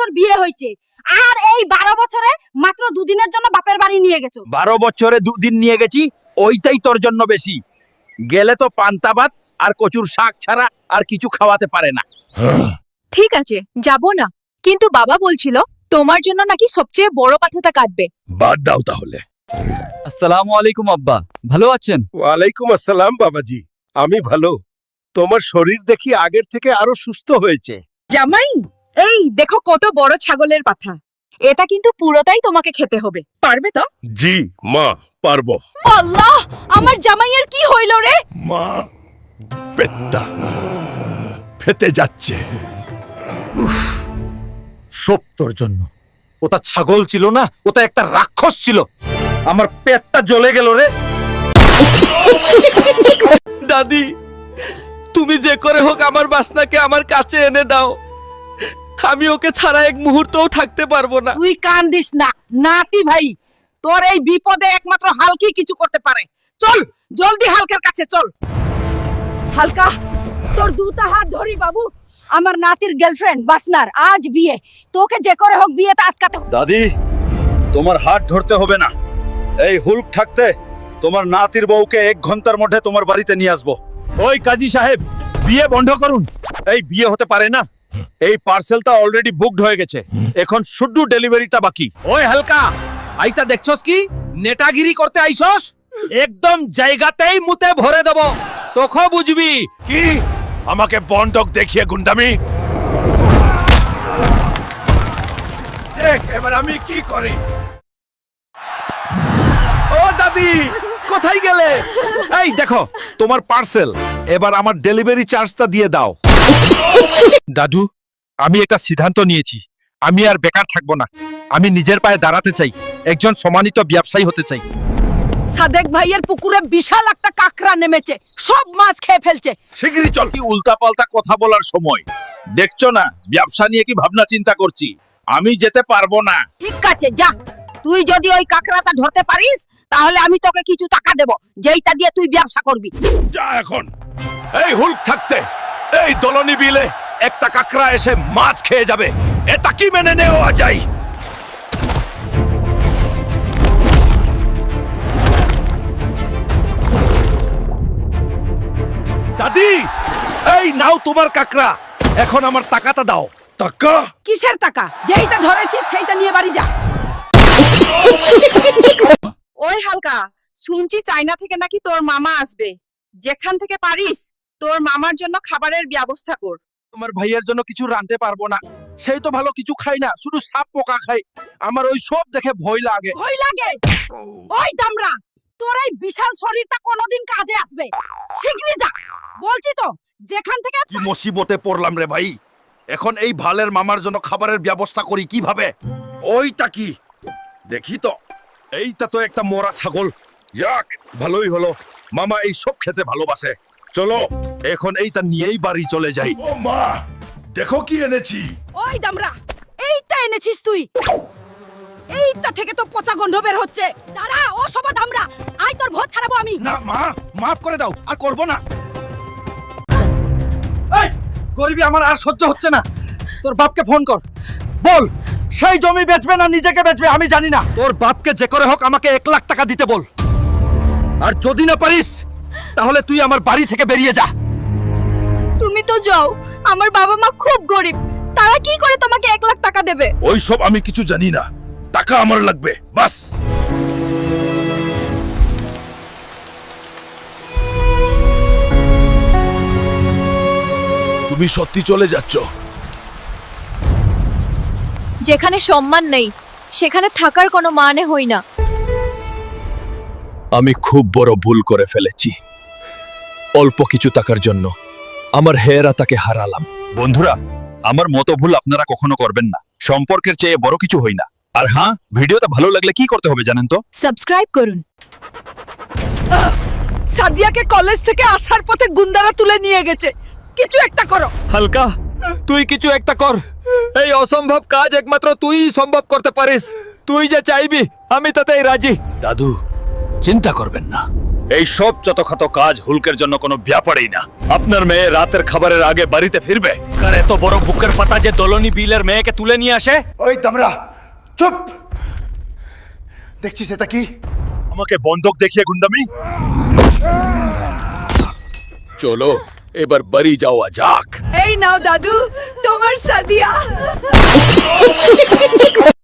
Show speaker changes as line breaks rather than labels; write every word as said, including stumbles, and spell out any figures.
বছর বিয়ে হয়েছে, আর এই বারো বছরে মাত্র দুদিনের জন্য বাপের বাড়ি নিয়ে গেছো।
বারো বছরে দুদিন নিয়ে গেছি, ওইটাই তোর জন্য বেশি। গেলে তো পান্তা ভাত আর কচুর শাক ছাড়া আর কিছু খাওয়াতে পারে না।
ঠিক আছে, যাব না, কিন্তু বাবা বলছিল তোমার জন্য নাকি সবচেয়ে বড় পাথাটা কাটবে।
বাদ দাও তাহলে।
আসসালামু আলাইকুম আব্বা, ভালো আছেন?
ওয়ালাইকুম আসসালাম বাবাজি, আমি ভালো। তোমার শরীর দেখি আগের থেকে আরো সুস্থ হয়েছে।
জামাই, এই দেখো কত বড় ছাগলের পাথা। এটা কিন্তু পুরোটাই তোমাকে খেতে হবে, পারবে তো?
জি মা, পারবো।
আল্লাহ, আমার জামাইয়ের কি হইল রে?
মা, পেটটা ফেটে যাচ্ছে।
সব তোর জন্য। ওটা ছাগল ছিল না, ওটা একটা রাক্ষস ছিল। আমার পেটটা জ্বলে গেল রে।
দাদি, তুমি যে করে হোক আমার বাসনাকে আমার কাছে এনে দাও। আমি ওকে ছাড়া এক মুহূর্তও থাকতে পারবো না।
তুই কান্দিস না নাতি ভাই, তোর এই বিপদে একমাত্র হালকি কিছু করতে পারে। চল জলদি হালকার কাছে চল।
হালকা, তোর দুটা হাত ধরি বাবু। আমার নাতির গার্লফ্রেন্ড বাসনার আজ বিয়ে, তোকে যে করে হোক বিয়েটা আটকাতে হবে।
দাদি, তোমার হাত ধরতে হবে না। এই হুলক থাকতে তোমার নাতির বউকে এক ঘন্টার মধ্যে তোমার বাড়িতে নিয়ে আসবো। ওই কাজী সাহেব, বিয়ে বন্ধ করুন। এই বিয়ে হতে পারে না, এই পার্সেলটা অলরেডি বুকড হয়ে গেছে, এখন শুধু ডেলিভারিটা বাকি। ওই হালকা, আইতা দেখছস কি নেটাগিরি করতে আইছস? একদম জায়গাতেই মুতে ভরে দেব, তখন বুঝবি।
কি আমাকে বন্ধক দেখিয়ে গুন্ডামি? দেখ এবার আমি কি করি।
ও দাদি, কোথায় গেলে? এই দেখো তোমার পার্সেল, এবার আমার ডেলিভারি চার্জটা দিয়ে দাও। দাদু, আমি একটা সিদ্ধান্ত নিয়েছি, আমি আর বেকার থাকবো না। আমি নিজের পায়ে দাঁড়াতে চাই, একজন সম্মানিত ব্যবসায়ী হতে চাই।
সাদেক ভাইয়ের পুকুরে বিশাল একটা কাকড়া নেমেছে, সব মাছ খেয়ে ফেলছে।
শিগগিরই চল। কি উল্টা পাল্টা কথা বলার সময় দেখছো না? ব্যবসা নিয়ে কি ভাবনা চিন্তা করছি, আমি যেতে পারবো না।
ঠিক আছে যা, তুই যদি ওই কাকড়াটা ধরতে পারিস তাহলে আমি তোকে কিছু টাকা দেব, যেইটা দিয়ে তুই ব্যবসা করবি।
যা এখন। এই হুলক থাকতে এই দলনি বিলে একটা কাকড়া এসে মাছ খেয়ে যাবে, এটা কি মেনে নেওয়া যায়?
দাদি, এই নাও তোমার কাকড়া, এখন আমার টাকাটা দাও।
টাকা?
কিসের টাকা? যেইটা ধরেছিস সেইটা নিয়ে বাড়ি যা।
ওই হালকা, শুনছি চায়না থেকে নাকি তোর মামা আসবে। যেখান থেকে পারিস তোর মামার জন্য খাবারের ব্যবস্থা কর।
তোমার ভাইয়ের জন্য কিছু রাঁধতে পারবো না, সেই তো ভালো কিছু খাই না, শুধু সাপ পোকা খাই। আমার ওই সব দেখে ভয় লাগে।
ভয় লাগে? ওই দামরা, তোর এই বিশাল শরীরটা কোনোদিন কাজে আসবে। শিগগিরই যা বলছি তো, যেখান থেকে।
কি মুসিবতে পড়লাম রে ভাই। এখন এই ভালের মামার জন্য খাবারের ব্যবস্থা করি কিভাবে? ওইটা কি দেখি তো। এইটা তো একটা মরা ছাগল। যাক, ভালোই হলো, মামা এই সব খেতে ভালোবাসে। চলো এখন এইটা নিয়েই বাড়ি চলে যাই। ও মা, দেখো কি এনেছি।
ওই দামরা, এইটা এনেছিস তুই? এইটা থেকে তো পচা গন্ধ বের হচ্ছে। দাঁড়া, ও সবা দামরা, আই তোর ভোজ ছাড়াবো আমি।
না মা, মাফ করে দাও, আর করবো না। এই গরিবি আমার আর সহ্য হচ্ছে না। তোর বাপকে ফোন কর, বল সেই জমি বেচবে না নিজেকে বেচবে আমি জানি না। তোর বাপকে যে করে হোক আমাকে এক লাখ টাকা দিতে বল, আর যদি না পারিস তাহলে তুই আমার বাড়ি থেকে বেরিয়ে যা।
তুমি তো যাও, আমার বাবা মা খুব গরিব, তারা কি করে তোমাকে এক লাখ টাকা দেবে?
ওইসব আমি কিছু জানি না, টাকা আমার লাগবে বাস। তুমি সত্যি চলে যাচ্ছ?
যেখানে সম্মান নেই সেখানে থাকার কোনো মানে হয় না।
আমি খুব বড় ভুল করে ফেলেছি। অল্প কিছু টাকার জন্য আমার হেরা তাকে হারালাম। বন্ধুরা, আমার মতো ভুল আপনারা কখনো করবেন না। সম্পর্কের চেয়ে বড় কিছু হই না। আর হ্যাঁ, ভিডিওটা ভালো লাগলে কি করতে হবে জানেন তো?
সাবস্ক্রাইব করুন।
সাদিয়াকে কলেজ থেকে আসার পথে গুন্ডারা তুলে নিয়ে গেছে, কিছু একটা করো।
হালকা, তুই কিছু একটা কর। এই অসম্ভব কাজ একমাত্র তুইই সম্ভব করতে পারিস। তুই যে চাইবি আমি তাতেই রাজি।
দাদু, চিন্তা করবেন না, এই সব ছোটখাটো কাজ হুলকের জন্য কোনো ব্যাপারই না। আপনার মেয়ে রাতের খাবারের আগে বাড়িতে ফিরবে।
কার এত বড় বুকের পাতা যে দলনি বিলের মেয়েকে তুলে নিয়ে আসে?
ওই দামরা চুপ! দেখছিস এটা কি?
আমাকে বন্দুক দেখিয়ে গুন্ডামি?
চলো এবার বাড়ি যাওয়া যাক।
এই নাও দাদু তোমার সাদিয়া।